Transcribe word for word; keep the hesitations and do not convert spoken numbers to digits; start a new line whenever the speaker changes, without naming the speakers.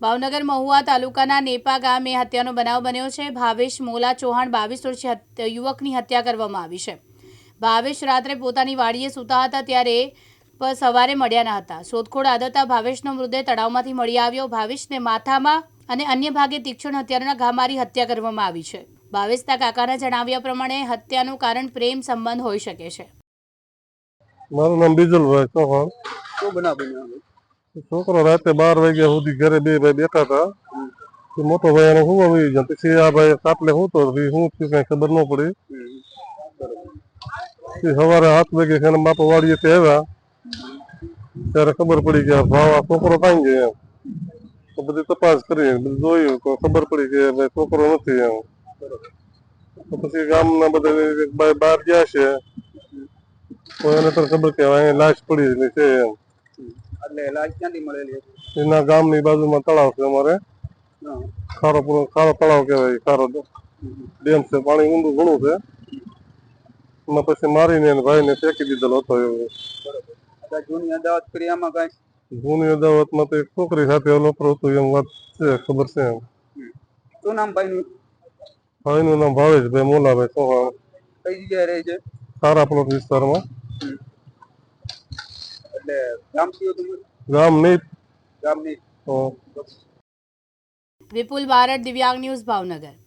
ભાવનગર મહુવા તાલુકાના નેપા ગામે હત્યાનો બનાવ બન્યો છે। ભાવેશ મોલા ચૌહાણ બાવીસ વર્ષીય યુવકની હત્યા કરવામાં આવી છે। ભાવેશ રાત્રે પોતાની વાડીએ સૂતા હતા ત્યારે સવારે મળ્યા ન હતા। શોધખોળ આદરતા ભાવેશનો મૃતદેહ તળાવમાંથી મળી આવ્યો। ભાવેશને માથામાં અને અન્ય ભાગે તીક્ષ્ણ હથિયારના ઘા મારી હત્યા કરવામાં આવી છે। ભાવેશના કાકાના જણાવ્યા પ્રમાણે હત્યાનું કારણ પ્રેમ સંબંધ હોઈ શકે છે।
મારું નામ બીજલભાઈ ચૌહાણ।
શું બનાવ બન્યો?
છોકરો રાતે બાર વાગ્યા સુધી ઘરે બે ભાઈ બેઠા હતા। મોટો ભાઈ એને હું આવી ગયો, પછી આ ભાઈ કાપલે હું તો શું થયું કઈ ખબર ન પડી। સવારે સાત વાગે એના બાપા વાડીએથી આવ્યા ત્યારે ખબર પડી કે ભાવ આ છોકરો કાંઈ ગયો એમ। તો બધી તપાસ કરી બધું જોયું તો ખબર પડી કે ભાઈ છોકરો નથી એમ। તો પછી ગામના બધા બહાર ગયા છે તો એને તો ખબર કે અહીંયા લાશ પડી છે એમ।
એટલે લાશ ક્યાંથી મળેલી હતી?
એના ગામની બાજુમાં તળાવ છે અમારે, ખારો ખારો તળાવ કહેવાય, ખારો ડેમ છે, પાણી ઊંડું ઘણું છે। એમાં પછી મારીને ભાઈને ફેંકી દીધેલો હતો એવું।
જૂની અદાવત કરી આમાં કઈ?
જૂની અદાવતમાં તો એક છોકરી સાથે લોપરો હતો એમ વાત છે, ખબર છે એમ।
શું નામ ભાઈનું?
ભાઈનું નામ ભાવેશભાઈ મોલાભાઈ ચૌહાણ।
કઈ જગ્યાએ રહે છે?
સારા પ્લોટ વિસ્તારમાં।
એટલે ગામ કયું તમારું?
ગામ નહીં,
ગામ નહીં।
વિપુલ બારડ, દિવ્યાંગ ન્યૂઝ, ભાવનગર।